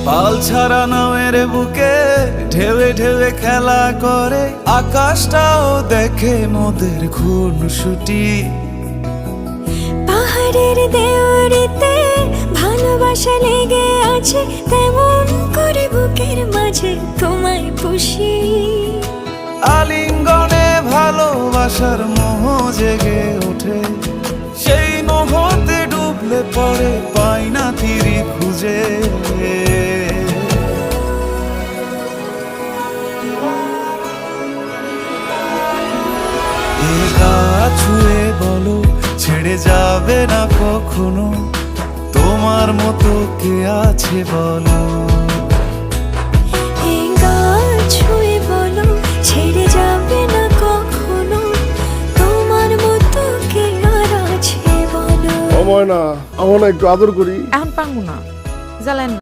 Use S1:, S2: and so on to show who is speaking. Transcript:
S1: পাল ছাড়া নামের বুকে ঢেউে ঢেউে খেলা করে, আকাশটাও দেখে মোদের খুনসুটি।
S2: পাহাড়ের দেওয়ারিতে ভালোবাসা লেগে আছে, তেমন করে বুকের মাঝে তোমায় পুষি।
S1: আলিঙ্গনে ভালোবাসার মোহ জেগে ওঠে, সেই মোহতে ডুবলে পরে পাই না তীরে খুঁজে। এ গা ছুঁয়ে বলো ছেড়ে যাবে না কখনো, তোমার মতো কে আছে বলো।
S2: এই গা ছুঁয়ে বলো ছেড়ে যাবে না কখনো, তোমার মতো কে আর আছে বলো।
S3: ও ময়না, আমার না একটু আদর করি।
S4: এখন পারবো না, জ্বালেন।